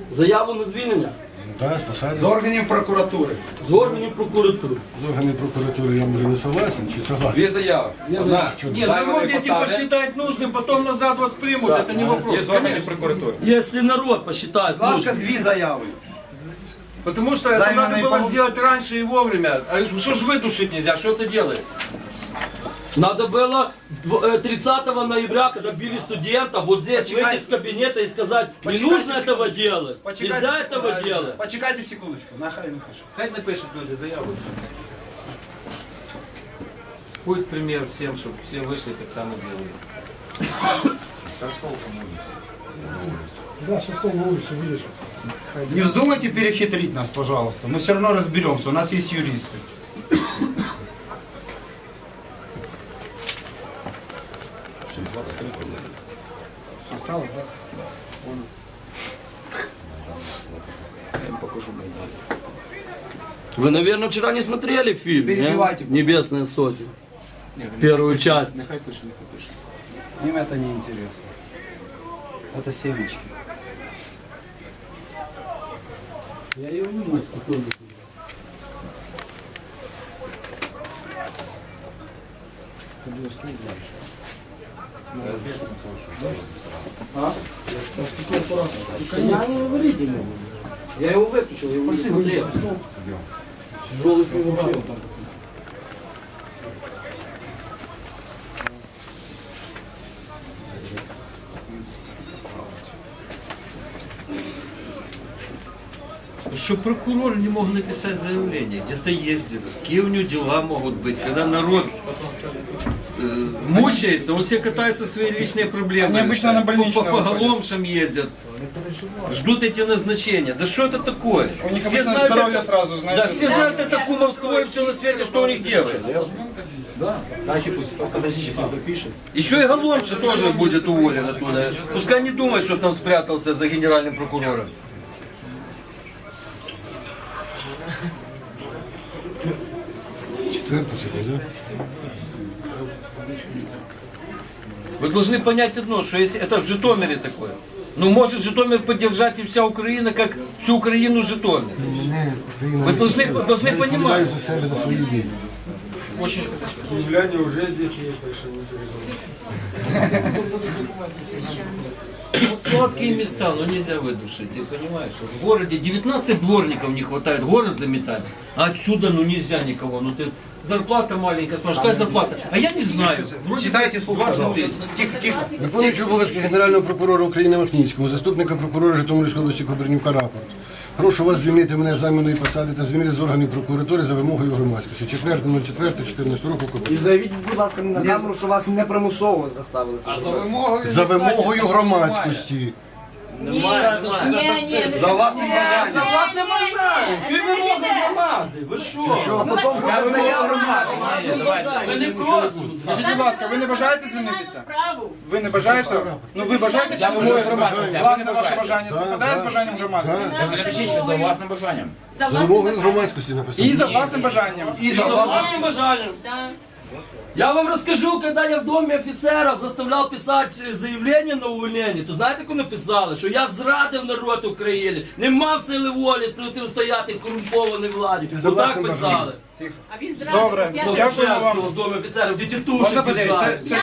Заяву на звільнення? Да, спасати. З органів прокуратури. З органів прокуратури. З органів прокуратури я може не согласен чи согласен? Две заявы. Одна. Нет, ну вот если посчитать нужным, потом назад вас примут, это не вопрос. Есть органы прокуратуры. Якщо народ посчитає, Будь ласка, дві заяви. Потому что это Займанные надо было полу- сделать раньше и вовремя. А что ж вытушить нельзя? Что это делается? надо было 30 ноября, когда били студента, вот здесь Почекайте. выйти из кабинета и сказать, не Почекайте нужно секунду. этого делать, Почекайте нельзя секунду. этого делать. Почекайте секундочку, нахай не пише. Хай напишут люди заяву. Будет пример всем, чтобы все вышли так само сделали. Не вздумайте перехитрить нас, пожалуйста. Мы все равно разберемся, у нас есть юристы. Осталось, да? Я им покажу Майдан. Вы, наверное, вчера не смотрели фильм, не? Перебивайте, «Небесная сотня». Первую часть. Нехай пише, нехай пише. Им это не интересно. Это семечки. Я ее не мог спокойно. Я не говорить не могу. Я его выключил, я его не смотрел. Тяжелый фильм вообще. Что прокуроры не могут написать заявление, где-то ездят, какие у него дела могут быть, когда народ мучается, он все катается свои личные проблемы. Они обычно решает. на больничные по уходят. голомшам ездят, ждут эти назначения. Да что это такое? У них обычно здоровье это, сразу, знаете. да, все знают это кумовство и все на свете, что у них делается. Дайте пусть, подождите, пусть допишет. Еще и голомша тоже будет уволен оттуда. Пускай не думает, что там спрятался за генеральным прокурором. Четвертий чи да? Вы должны понять одно, что если это в Житомире такое, ну может Житомир поддержать и вся Украина, как всю Украину Житомир. Мене Україна Ви не должны слухає. понімати. Я відповідаю за себе, за свої дії. Киевляне уже здесь есть, так что не переживайте. Вот сладкие места, но нельзя выдушить, ты понимаешь? что В городе 19 дворников не хватает, город заметать, а отсюда ну нельзя никого, ну ты зарплата маленькая, спрашиваешь, какая зарплата? А я не знаю. Вроде Читайте слух, 20 пожалуйста. тысяч. Тихо, тихо. Виконуючи обов'язки Генерального прокурора України Махніцького, заступника прокурора Житомирської області Кобернюка рапорт. Прошу вас звільнити мене з займаної посади та звільнити з органів прокуратури за вимогою громадськості. 4.04.14 року І Кобернюк. заявіть, будь ласка, на камеру, що вас не примусово заставили це зробити. За вимогою громадськості. За власним бажанням. За власним бажанням. Ти вимоги громади. Ви що? А потім буде заява громади. Ви не просимо. Скажіть, будь ласка, ви не бажаєте звільнитися? Ви не бажаєте? Ну ви бажаєте? За вимогою громадськості, а ви Власне не ваше бажаєте. бажання співпадає з бажанням громади? Напишіть, що за власним бажанням. За вимогою громадськості написано. І за власним бажанням. І за За власним. властным бажанием. Я вам расскажу, когда я в доме офицеров заставлял писать заявление на увольнение, то знаєте, як написали? Що я зрадив народ України, не мав сили волі протистояти корумпованій владі. За Отак власним писали. Добре, Ну, дякую вам. в домі офіцерів, де тітуші Можна подивитися? писали. Це